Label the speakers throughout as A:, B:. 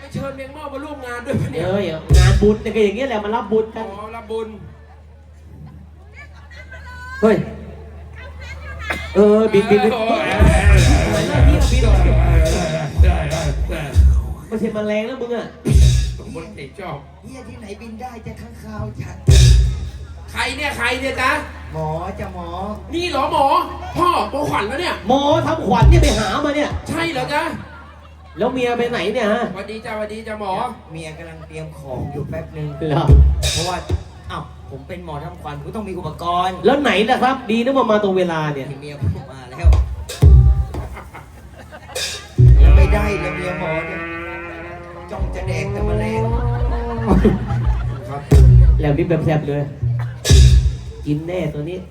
A: เชิญเมียงเม่ามาร่วมงานด้วยปะเนี่ย
B: งานบุญเนี่ยก็อย่างเงี้ยแหละมารับบุญกัน
A: อ๋อรับบุญ
B: เฮ้ยบินไม่ใช่แมลงแล้วมึงอ่ะ
A: บนเตะจอบ
C: เฮียที่ไหนบินได้จะข้างคาวจัด
A: ใครเนี่ยจ๊ะ
C: หมอจะหมอ
A: นี่เหรอหมอพ่อโมขวัญแล้วเนี่ย
B: หมอทำขวัญเนี่ยไปหามาเนี่ย
A: ใช่เหรอจ๊ะ
B: แล้วเมียไปไหนเนี่ยฮะ
A: สวัสดีจ้าหมอ
C: เมียกำลังเตรียมของอยู่แป๊บนึงเพราะว่าผมเป็นหมอทำขวัญผมต้องมีอุปกรณ์
B: แล้วไหนล่ะครับดีนะมาตรงเวลาเนี่ย
C: เมียผมมาแล้วยังไม่ได้เลยเมียหมอเนี่ยจ้องจะแดกแต่แมลง
B: ครับแล้วนี่แบบแซ่บเลยกินแน่ตัวนี้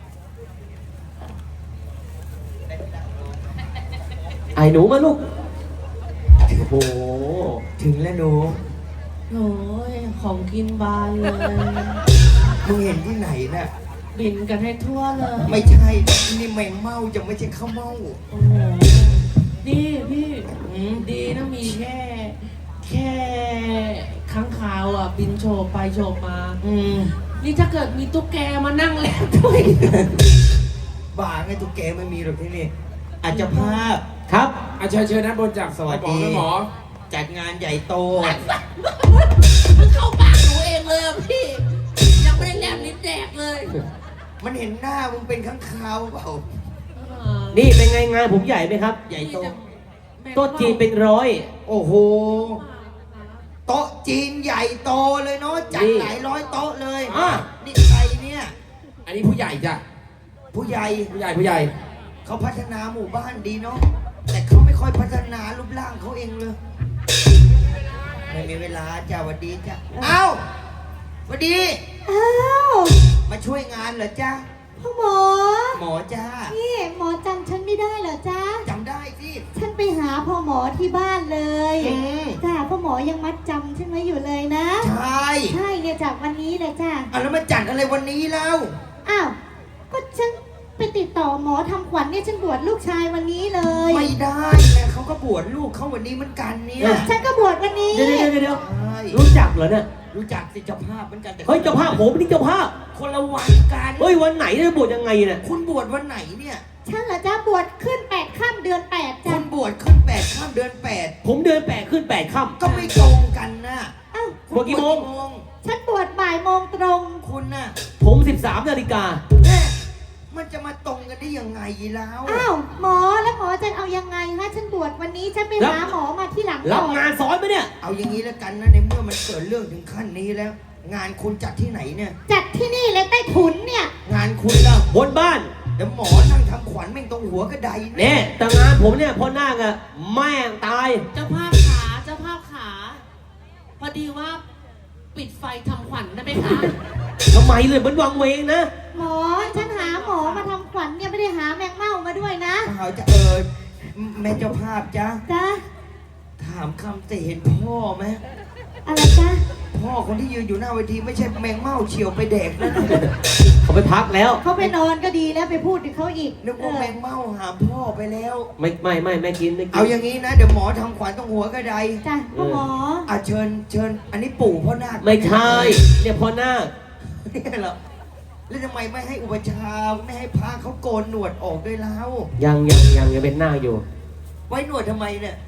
B: ไอ้หนูมาลูกโอ้โห
C: ถึงแล้วหนู
D: โอ้ยของกินบานเลย
C: มึงเห็นที่ไหนน่ะ
D: บินกันให้ทั่วเลย
C: ไม่ใช่นี่แมงเม่าจะไม่ใช่ข้าวเม่า
D: โอ้โหนี่พี่ดีนะมีแค่ค้างคาวอ่ะบินโฉบไปโฉบมานี่ถ้าเกิดมีตุ๊กแกมานั่งเล่นด้วย
C: บ้าไงตุ๊กแกไม่มีหรอกที่นี่อาจจะภาพ
B: ครับ
A: เชิญนะบนจาก
C: สวัสดี
A: หมอ
C: จัดงานใหญ่โต
D: เข้าปากหนูเองเลยพี่ยังไม่ได้แลบลิ้นแดกเลย
C: มันเห็นหน้ามึงเป็นข้างคาวเปล่า
B: นี่เป็นไงงานผมใหญ่ไหมครับ
C: ใหญ่โต
B: โต๊ะจีนเป็น100
C: โอ้โหโต๊ะจีนใหญ่โตเลยเนาะจัดหลายร้อยโต๊ะเลยนี่ใครเนี่ย
A: อันนี้ผู้ใหญ่จ้ะ
C: ผู้ใหญ่เขาพัฒนาหมู่บ้านดีเนาะแต่เขาไม่ค่อยพัฒนารูปร่างเขาเองเลยไม่มีเวลาจ้าวันดีจ้าเอ้าวันดีมาช่วยงานเหรอจ้า
E: พ่อ
C: หมอจ้า
E: นี่หมอจำฉันไม่ได้เหรอจ้า
C: จำได้สิ
E: ฉันไปหาพ่อหมอที่บ้านเลยจ้าพ่อหมอยังมัดจำฉันไว้อยู่เลยนะ
C: ใช่
E: เนี่ยจากวันนี้เลยจ้า
C: แล้วมาจัดอะไรวันนี้แล้ว
E: ก็ฉันไปติดต่อหมอทำขวัญเนี่ยฉันบวชลูกชายวันนี้เลย
C: ไม่ได้นะเขาก็บวชลูกเขาวันนี้เหมือนกันเนี่ย
E: ฉันก็บวชวันนี้
B: เดี๋ยวรู้จักเหรอเนี่ย
C: รู้จักสิเจ้าภาพเหมือนกันแต่
B: เฮ้ยเจ้าภาพผมนี่เจ้าภาพ
C: คนละวันกัน
B: เฮ้ยวันไหนเนี่ยบวชยังไงเนี่ย
C: คุณบวชวันไหนเนี่ย
E: ฉันเหรอจ้าบวชขึ้น8 ค่ำเดือน8จ้า
C: คุณบวชขึ้น8 ค่ำเดือน8
B: ผมเดือน8ขึ้น8 ค่ำ
C: ก็ไม่ตรงกันนะ
B: บวชกี่โมง
E: ฉันบวชบ่ายโมงตรง
C: คุณน่ะ
B: ผม13 นาฬิกา
C: มันจะมาตรงกันได้ยังไงแล้ว
E: หมอแล้วหมอจะเอายังไงฮะฉันบวชวันนี้ฉันไปหาหมอมาที่หลัง
B: รับงานสอนไหมเนี่ย
C: เอาอย่างนี้แล้วกันนะในเมื่อมันเกิดเรื่องถึงขั้นนี้แล้วงานคุณจัดที่ไหนเนี่ย
E: จัดที่นี่เลยใต้ถุนเนี่ย
C: งานคุณล่ะ
B: บนบ้าน
C: เดี๋ยวหมอนั่งทำขวัญแม่งตรงหัวกระได
B: เนี่ยแต่งานผมเนี่ยพอหน้าอะแม่งตาย
D: เจ้าภาพขาพอดีว่าปิดไฟทำขวัญได้ไหมคะ
B: ทำไมเลยมันวังเวงนะ
E: หมอฉันหาหมอมาทำขวัญเนี่ยไม่ได้หาแมงเม่ามาด้วยนะ
C: เขาจะแม่เจ้าภาพจ้าถามคำแต่เห็นพ่อไหม
E: อะไรจ้า
C: พ่อคนที่ยืนอยู่หน้าเวทีไม่ใช่แมงเม่าเฉียวไปแดกนะ
B: เขาไปพักแล้ว
E: เขาไปนอนก็ดีแล้วไปพูดถึงเขาอีก
C: นึกว่าแมงเม่าหาพ่อไปแล้ว
B: ไม่กิน
C: เอาอย่างนี้นะเดี๋ยวหมอทำขวัญตรงหัวกระได
E: จ้ะพ่อหมอ
C: เชิญอันนี้ปู่พ่อนาค
B: ไม่ใช่เนี่ยพ่อนาค
C: นี่เหรอแล้วทำไมไม่ให้อุปชาไม่ให้พระเขาโกนหนวดออกด้วยแล้ว
B: ยังเป็นหน้าอยู่
C: ไว้หนวดทำไมเนี่ย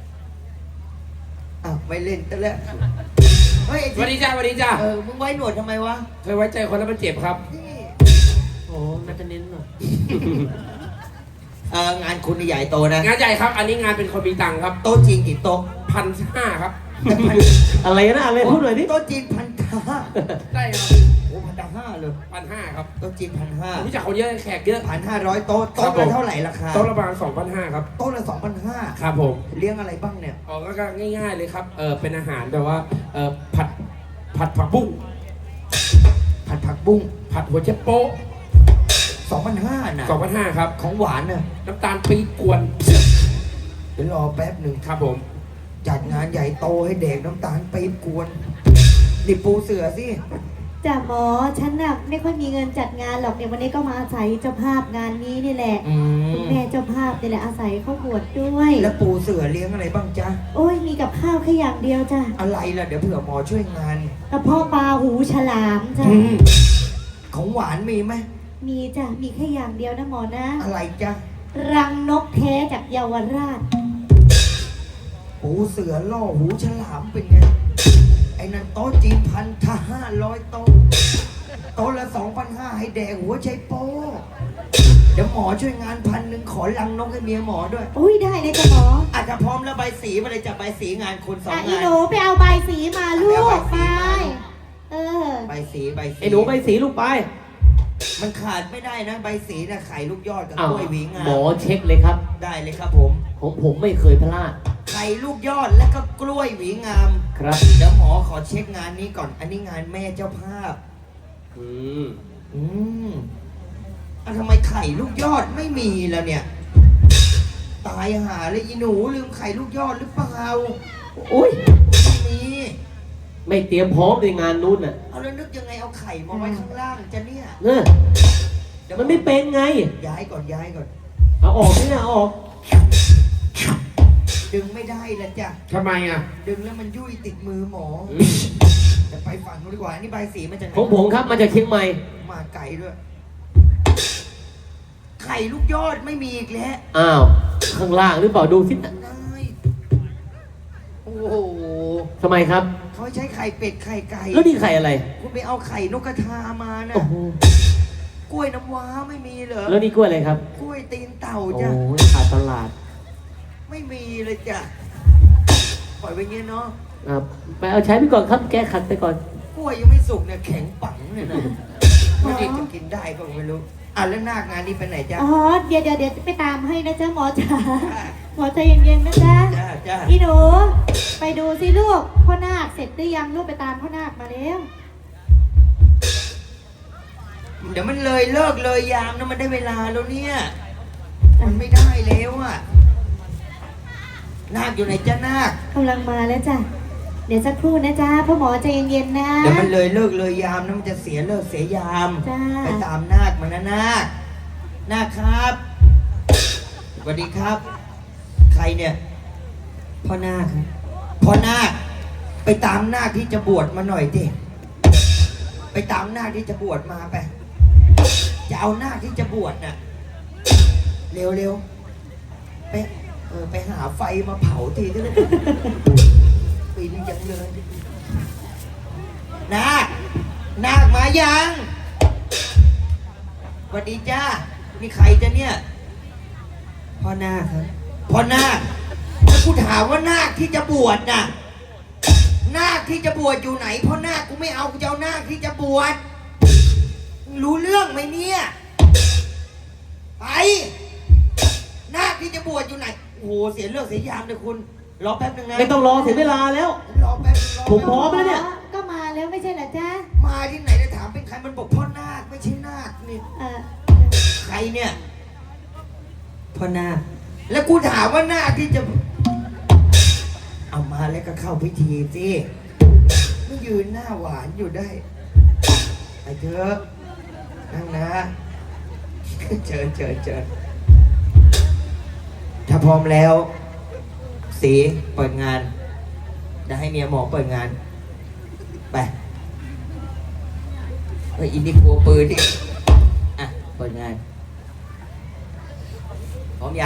C: ไม่เล่นแต่แล้ว
A: เฮ้ยสวัสดีจ้า
C: มึงไว้หนวดทำไมวะ
A: เคยไว้ใจคนแล้วมันเจ็บครับ
B: โอ้น่าจะเน้นหน่อย
C: งานคุณใหญ่โตนะ
A: งานใหญ่ครับอันนี้งานเป็นคนมีตังค์ครับ
C: โต๊ะจีนกี่โต๊ะ
A: 1,500ครับ
B: อะไรนะอะไรพูดหน่อยดิ
C: โต๊ะจีน1,500
A: ได้ครับ
C: โอ้1,500เลย
A: 1,500ครับ
C: โต๊ะจีน1,500
A: รู้จักคนเยอะแขกเยอะ
C: 1,500โต๊ะละเท่าไหร่ราคา
A: โต๊ะละประมาณ2,500ครับ
C: โต๊ะละ2,500
A: ครับผม
C: เลี้ยงอะไรบ้างเนี่ย
A: ก็ง่ายๆเลยครับเป็นอาหารแบบว่าผัดผักบุ้ง
C: ผัด
A: หัวเชโป๊ะ
C: 2,500นะ
A: 2,500ครับ
C: ของหวานน่ะ
A: น้ำตาลปี๊บกวน
C: เดี๋ยวรอแป๊บหนึ่ง
A: ครับผม
C: จัดงานใหญ่โตให้เด็กน้ำตาลปี๊บกวนนี่ปูเสือสิ
E: จ้ะหมอฉันน่ะไม่ค่อยมีเงินจัดงานหรอกเนี่ยวันนี้ก็มาอาศัยเจ้าภาพงานนี้นี่แหละคุณแม่เจ้าภาพนี่แหละอาศัยเขาบวชด้วย
C: แล้วปูเสือเลี้ยงอะไรบ้างจ๊ะ
E: โอ้ยมีกับข้าวแค่อย่างเดียวจ้ะ
C: อะไรล่ะเดี๋ยวเผื่อหมอช่วยงาน
E: กระเพาะปลาหูฉลามจ้ะ
C: ของหวานมีไหม
E: มีจ้ะมีแค่อย่างเดียวนะหมอนะ
C: อะไรจ๊ะ
E: รังนกแท้จากเยาวราช
C: ปูเสือล่อหูฉลามเป็นไงไอ้นั่นโต๊ะจีน1,500โต๊ะโต๊ะละ2,500ให้แดกหัวใจโป้เดี๋ยวหมอช่วยงาน1,000ขอลังนกให้เมียหมอด้วย
E: อุ้ยได้เลยจ้ะหมอ
C: อาจจะพร้อมแล้วใบสีมาเลยจะใบสีงานคนสอง
E: อี
C: งาน
E: หนูไปเอาใบสีมาลูกไปเออ
C: ใบสีใบสี
B: ไอ้หนูไปสีลูกไป
C: มันขาดไม่ได้นะใบสีนะไข่ลูกยอดกับ
B: อ้าว
C: กล้วยหวีงา
B: หมอเช็คเลยครับ
C: ได้เลยครับผม
B: ผมไม่เคยพลาด
C: ไข่ลูกยอดและก็กล้วยหวีงาม
B: ครับ
C: เดี๋ยวหมอขอเช็คงานนี้ก่อน อันนี้งานแม่เจ้าภาพ
B: อืม
C: อืมทำไมไข่ลูกยอดไม่มีแล้วเนี่ย ตายหาเลยอีหนูลืมไข่ลูกยอดหรือเปล่า
B: อุ้ย
C: ไม่มี
B: ไม่เตรียมพร้อมในงานนู้นน่ะ
C: เอาแล้วนึกยังไงเอาไข่มาไว้ข้างล่างจะเนี่ย
B: เนอะมันไม่เป็นไง
C: ย้ายก่อนย้ายก่อน
B: เอาออกนี่นะเอาออก
C: ดึงไม่ได้ละจ้ะ
A: ทำไมอ่ะ
C: ดึงแล้วมันยุ่ยติดมือหมอ
B: อืม
C: จะไปฝั่งนู้นดีกว่า นี่ใบสีมาจากไหน
B: ของผมครับมาจากเชียงใหม่
C: มาไก่ด้วย ไข่ลูกยอดไม่มีอีกแล้ว
B: อ้าว ข้างล่างหรือเปล่าดูสิ
C: ได้โอ้โห
B: ทำไมครับ
C: เขาใช้ไข่เป็ดไข่ไก่
B: แล้วนี่ไข่อะไร
C: คุณไปเอาไข่นกกระทามานะ
B: โอ้โห
C: กล้วยน้ำว้าไม่มีเหรอ
B: แล้วนี่กล้วยอะไรครับ
C: กล้วยตีนเต่า
B: โอ้
C: จ้ะ
B: ยขาดตลาด
C: ไม่มีเลยจ้ะ ปล่อยไปงี้เนาะ
B: ครับไปเอาใช้ไปก่อนครับ แก้ขัดไปก่อน
C: กล้วยยังไม่สุกเนี่ยแข็งปังเนี่ยนะไม่ได้จะกินได้ก็ไม่รู้อ่ะแล้วหน้างานนี้ไปไหนจ้ะ
E: อ๋อเดี๋ยวไปตามให้นะจ๊ะหมอจ๋าหมอใจเย็นๆนะจ๊ะ
C: จ้าจ้า
E: อีหนูไปดูสิลูกพ่อนาคเสร็จหรือยังลูกไปตามพ่อนาคมาแล้ว
C: เดี๋ยวมันเลยเลิกเลยยามนะมันได้เวลาแล้วเนี่ย มันไม่ได้แล้วอ่ะ นาคอยู่ไหนจ้านาค
E: กำลังมาแล้วจ้ะเดี๋ยวสักครู่นะจ๊ะพ่อหมอใจเย็นๆนะ
C: เดี๋ยวมันเลยเลิกเลยยามนะมันจะเสียเลิกเสียยาม
E: จ้า
C: ไปตามนาคมานะนาค นาคครับสวัสดีครับ ใครเนี่ย พ่อนาคครับพ่อนาค ไปตามนาคที่จะบวชมาหน่อยดิไปตามนาคที่จะบวชมาไป จะเอานาคที่จะบวชน่ะ เร็วๆไปไปหาไฟมาเผาทีได้ไหมปีนี้ยังเลย นาค นาคมายังสวัสดีจ้านี่ใครจะเนี่ย พ่อนาคครับ พ่อนาคแล้วกูถามว่านาคที่จะบวชน่ะ นาคที่จะบวชอยู่ไหน พ่อนาคกูไม่เอากูจะเอานาคที่จะบวชมึงรู้เรื่องไหมเนี่ย ไป นาคที่จะบวชอยู่ไหน โอ้โห เสียเรื่องเสียยามเลยคุณ รอแป๊บนึงนะ
B: ไม่ต้องรอเสียเวลาแล้ว
C: รอแป๊บนึงรอ
B: ผมพร้อมแล้วเนี่ย
E: ก็มาแล้วไม่ใช่เหรอจ๊ะ
C: มาที่ไหนจะถามเป็นใครมันบอกพ่อนาคไม่ใช่นาคนี่ ใครเนี่ย พ่อนาค แล้วกูถามว่านาคที่จะ เอามาแล้วก็เข้าพิธีสิไม่ยืนหน้าหวานอยู่ได้ไปเถอะนั่งนะ เชิญถ้าพร้อมแล้ว สีเปิดงานจะให้เมียหมอเปิดงาน ไปอินดี้กลัวปืนดิอ่ะ เปิดงาน พร้อมยัง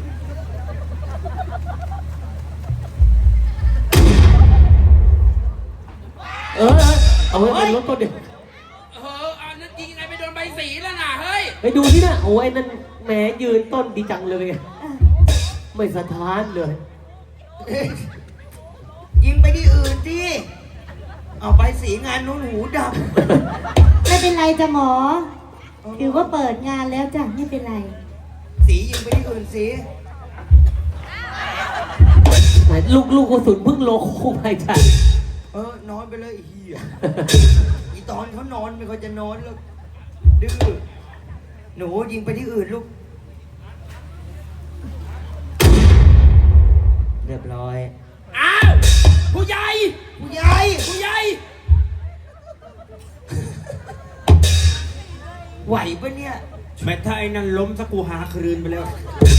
B: เอาไว้เป็นรถต้นเดียว
A: อันนั้นยิงไงไปโดนใบสีแล้วน่ะ เฮ้ย
B: ไปดูที่น่ะโอ้ยนั่นแหมยืนต้นดีจังเลยไม่สะท้านเลย
C: ยิงไปที่อื่นดิเอาไปสีงานนู้นหูด
E: ไม่เป็นไรจ้ะหมอถือว่าเปิดงานแล้วจ้ะไม่เป็นไร
C: ำสียิงไปที่อื่นสิ
B: ลูกกระสุนเพิ่งโลโก้ไปจ้ะ
C: นอนไปเลยไอ้เหี้ย อีตอนเขานอนไม่ค่อยจะนอนแล้วดื้อหนูยิงไปที่อื่นลูก เรียบร้อย
A: อ้าว ผู้ใหญ่
C: ผู้ใหญ่
A: ผู้ใหญ่
C: ไหวปะเนี่ย
B: แม้ถ้าไอ้นั่นล้มสักกูหาคืนไปแล้ว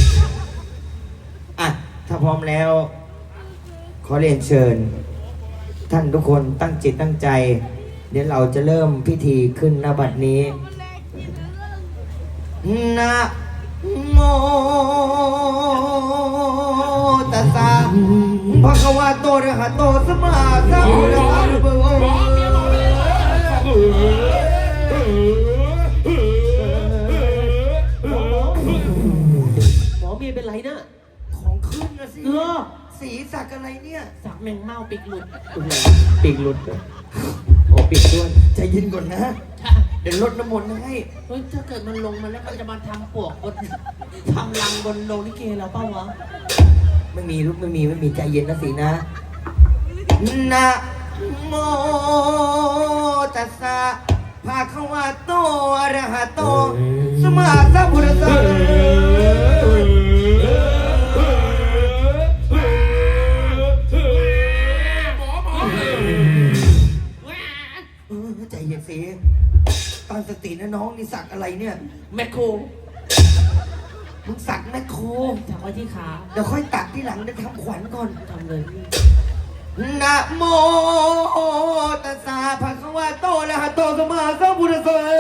C: อ่ะ ถ้าพร้อมแล้ว ขอเรียนเชิญ ท่านทุกคนตั้งจิตตั้งใจ เดี๋ยวเราจะเริ่มพิธีขึ้นณบัดนี้นะโมตัสสะภะคะวะโตอะระหะโตสัมมาสัมพุทธัสสะ
D: หมอเมียเป็นไรนะ
C: ของขึ้นนะสิ
D: เหรอ
C: สีสักอะไรเนี่ย
D: สักแมงเม่าปีกหลุด
B: ปีกหลุดโอ้ปีกด้วย
C: ใจเย็นก่อนนะ เดี๋ยวลดน้ำมนต์ให้
D: เฮ้ยถ้าเกิดมันลงมาแล้วมันจะมาทำปวกบนทำรังบนโรงลิเกเราเปล่าวะ
C: ไม่มีลูกไม่มีใจเย็นนะสีนะนะโมตัสสะภะคะวะโตอะระหะโตสัมมาสัมพุทธัสสะใจเย็นสิตั้งสตินะน้องนี่สักอะไรเนี่ย
D: แมคโคร
C: มึงสักแมคโคร
D: ถักไว้ที่ขา
C: เดี๋ยวค่อยตัดที่หลังเดี๋ยวทำขวัญก่อน
D: ทำเลย
C: นะโมตัสสะภะคะวะโตอะระหะโตสัมมาสัมพุทธัสสะ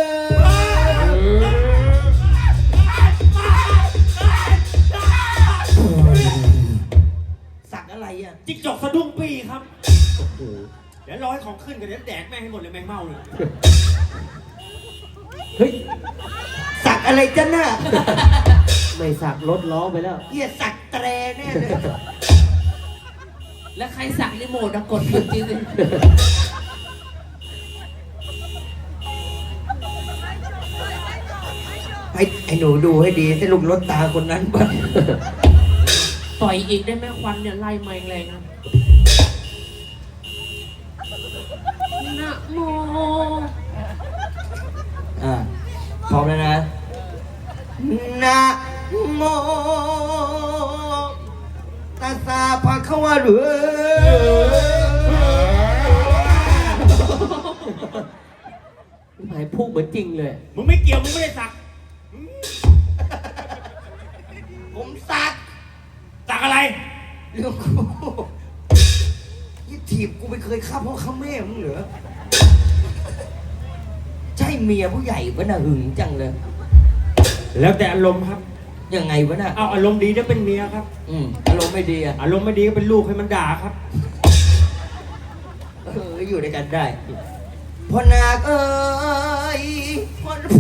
C: สักอะไรอ่ะ
B: จิ๊กจกสะดุ้งปีครับเดี๋ยวรอให้ของขึ้นกันเดี๋ยวแดกแม่งให้หมดเลยแมงเม่าเลยเฮ้ย
C: สักอะไรจ้ะน่ะ
B: ไม่สักรถล้อไปแล้ว
C: เหี้ยสักแตรแน่เลย
D: แล้วใครสักรีโมทอะกดหยุดจริงเลย
C: ให้หนูดูให้ดีถ้าลูกรถตาคนนั้นบ้าง
D: ปล่อยอีกได้ไหมควันเนี่ยไล่มาแรงนะนะโม
C: พร้อมแล้วนะนะโมตัสสะภะคะวะโต
B: หมายพูดเหมือนจริงเลย
F: มึงไม่เกี่ยว มึงไม่ได้สัก
C: ผมสัก
F: สักอะไร
C: เรื่องกูยี่ถีบกูไม่เคยฆ่าพ่อฆ่าแม่มึงเหรอใช่เมียผู้ใหญ่ปะน่ะหึงจังเลย
F: แล้วแต่อารมณ์ครับ
C: ยังไงวะน่ะ
F: เอาอารมณ์ดีจะเป็นเมียครับ
C: อารมณ์ไม่ดีอ่ะ
F: อารมณ์ไม่ดีก็เป็นลูกให้มันด่าครับ
C: อยู่ด้วยกันได้พ่อนาคเอ้ยพ่อนา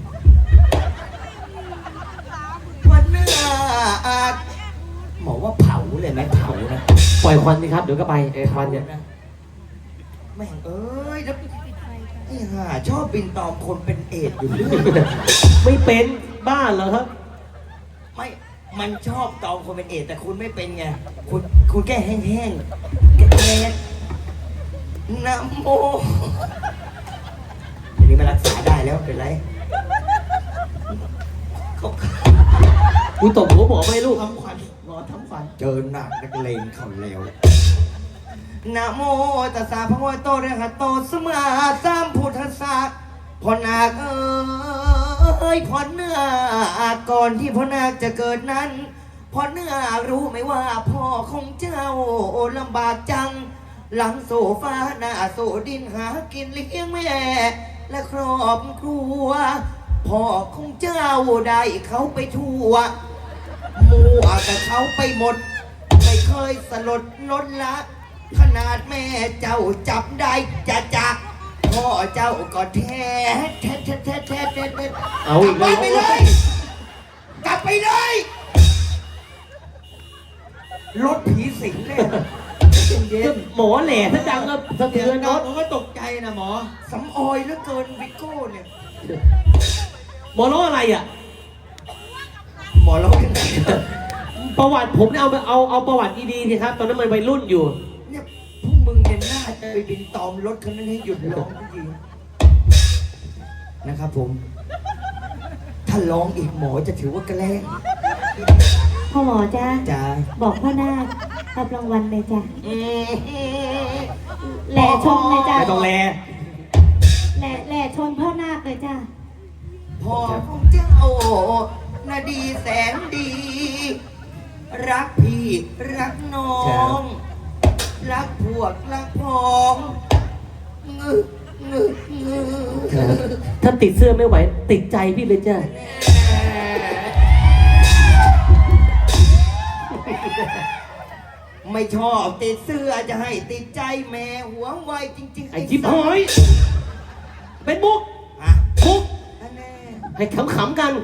C: คหมอว่าเผาเลยไหมเผานะ
B: ปล่อยควันสิครับ เดี๋ยวก็ไปควันเนี่ย
C: แม่งเอ้ยแล้วไอ้ห่าชอบบินตอมคนเป็นเอดส์อยู่เรื่อย
B: ไม่เป็นบ้าเหรอครับ
C: ไม่ มันชอบตอมคนเป็นเอดส์แต่คุณไม่เป็นไง คุณแค่แห้งๆแก่ๆนะโมอันนี้มันรักษาได้แล้วเป็นไรเขา
B: กูตบหัวหมอไม่ให้ลูก
C: ทำขวัญหมอทำขวัญเจอหนักนักเลงเขาแล้วนะโมตัสสะภะคะวะโตอะระหะโตสัมมาสัมพุทธัสสะพ่อนาคเอ้ยพ่อนาคก่อนที่พ่อนาคจะเกิดนั้นพ่อนาครู้ไหมว่าพ่อของเจ้าลำบากจัง หลังโซฟาหน้าโซดินหากินเลี้ยงแม่ และครอบครัวพ่อของเจ้าได้เขาไปทั่วมัวแต่เขาไปหมด ไม่เคยสลดลดละ ขนาดแม่เจ้าจับได้จะจักพ่อเจ้าก็แท้
B: เอาอีก
C: กลั
B: แล้
C: บ
B: ว
C: ไปเลย กลับไปเลยรถผีสิงเลยเย็น
B: หมอแหล่ถ้าดังก็สะ
C: เดี๋ย
B: เทื
C: ว
B: อน
C: น้
B: ร
C: อง
B: ถ
C: ผมก็ตกใจนะหมอสำออยเหลือเกินวิโก้เนี่ย
B: หมอร้องอะไรอ่ะ
C: หมอร้องยังไง
B: ประวัติผมเนี่ยเอาประวัติดีๆสิครับ ตอนนั้นมันวัยรุ่นอยู่
C: เนี่ยพวกมึงเนี่ยน่าจะไปบินตอมรถคันนั้นให้หยุดร้องจริงๆนะครับผม ถ้าร้องอีกหมอจะถือว่าแกล้ง
E: พ่อหมอจ้า
C: จ้า
E: บอกพ่อนาครับรางวัลเลยจ้ะ
C: อืม
E: แหล่ชมเลยจ้ะ
B: ไม่ต้องแล
E: แหล่ชมพ่อนาคเลยจ้ะ
C: พ่อพ่อของเจ้านาดีแสนดี รักพี่รักน้อง รักพวกรักพ้องงึงึงึ
B: ถ้าติดเสื้อไม่ไหว ติดใจพี่เลยจ้ะ
C: ไม่ชอบติดเสื้อจะให้ติดใจแม่หวงไวจริงๆ
B: ไอ้จิ๊บหอยเป็นมุก
C: อ่ะ
B: มุก
C: อันแน่
B: ให้ขำๆกัน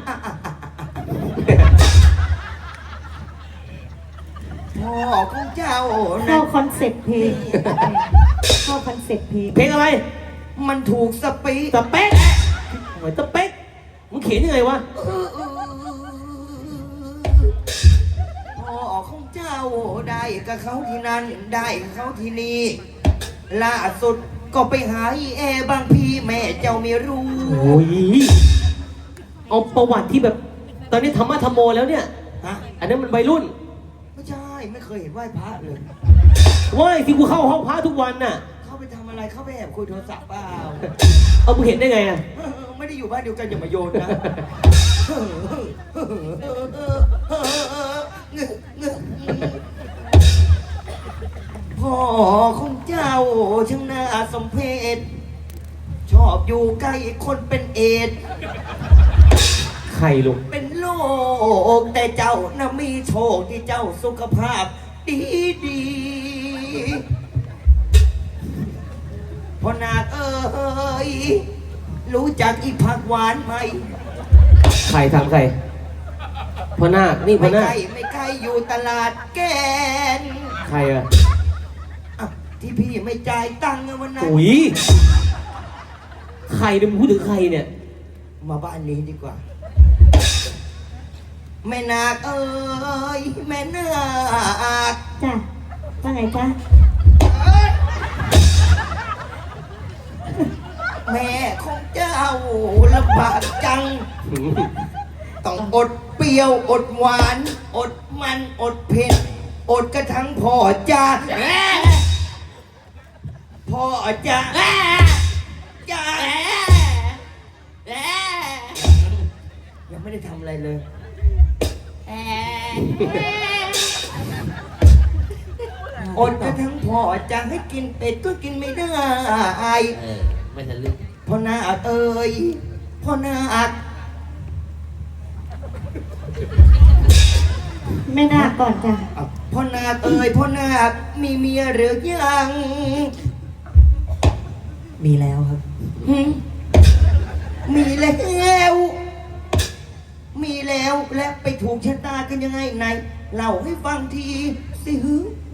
C: พ่อของเจ้า
E: เข้า
C: นะ
E: คอนเซ็ปต์เพลงเข้าคอนเซ็ปต์เพลง
B: เพลงอะไร
C: มันถูกสปี
B: สเปคเหมือนสเปคมึงเขียนยังไงวะ
C: พ่อของเจ้าได้กับเขาที่นั่นได้กับเขาที่นี่ล่าสุดก็ไปหาอีแอบางพี่แม่เจ้าไม่รู้
B: โอ้ย เอาประวัติที่แบบ ตอนนี้ธรรมะธรรมโมแล้วเนี่ย
C: ฮะ
B: อันนั้นมันวัยรุ่น
C: ไม่ใช่ไม่เคยเห็นไหว้พระเลย
B: เว้ยที่กูเข้าห้องพระทุกวันน่ะ
C: เข้าไปทำอะไรเข้าไปแอบคุยโทรศัพท์เปล่า
B: เอามึงเห็นได้ไงอ่ะ
C: ไม่ได้อยู่บ้านเดียวกันอย่ามาโยนนะพ่อของเจ้าช่างน่าสมเพชชอบอยู่ใกล้คนเป็นเอดส์
B: ใครลูก
C: เป็นโรคแต่เจ้าน่ะมีโชคที่เจ้าสุขภาพดีดีพ่อนาคเอ้ยรู้จักอีผักหวานไหม
B: ใครทำใครพ่อนาคนี่พ่
C: ไม่
B: อนา
C: ใก
B: ค
C: ล้ไม่ใกล้อยู่ตลาดแกน
B: ใครอ่ะ
C: อ่ะที่พี่ไม่จ่ายตังค์วันนั้น
B: อุ้ย ใครเนี่ยมึงพูดถึงใครเนี่ย
C: มาบ้านนี้ดีกว่า แม่นาคเอ้ยแม่นาค
E: จ้ะว่าไงจ๊ะ
C: แม่ของเจ้าลำบากจัง ต้องอดเปรี้ยวอดหวาน อดมันอดเผ็ดอดกระทั่งพ่อจ้าพ่อจ้าจ้ายังไม่ได้ทำอะไรเลยอดกระทั่งพ่อจะให้กินเป็ดก็กินไม่ได้
D: ไม่ทะลึก
C: พ่อนาคเอ้ยพ่อนาค
E: แม่นาคก่อนจ้ะ
C: อ้าวพ่อนาคเอ้ยพ่อนาคมีเมียหรือยัง
G: มีแล้วครับ
C: หึมีแล้ว มีแล้วและไปถูกชะตากันยังไงไหนเล่าให้ฟังทีสิฮึ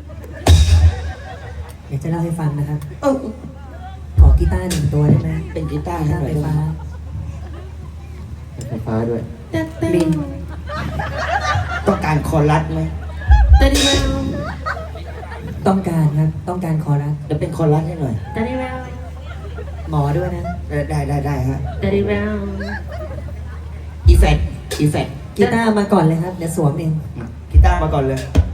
G: เดี๋ยวจะเล่าให้ฟังนะครับ
C: เออ
G: ขอกีตาร์1 ตัวได้ไหม
C: เป็นกีตาร์
G: กี
C: ให้
G: ตาร์
C: หน่อย
G: ไฟฟ้า
B: ไฟฟ้าด้วย
G: ลิน
C: ต้องการคอรัสไหม
D: แต่ดีแวว
G: ต้องการครับ ต้องการคอรัส
C: เดี๋ยวเป็นคอรัสให้หน่อย
D: แต่ดีแวว
G: หมอด้วยนะ
C: ได้ฮะ
D: แต่ดีแวว
C: อีแฟก
G: กีตาร์มาก่อนเลยครับ เดี๋ยวสวมเอง
C: กีตาร์มาก่อนเลย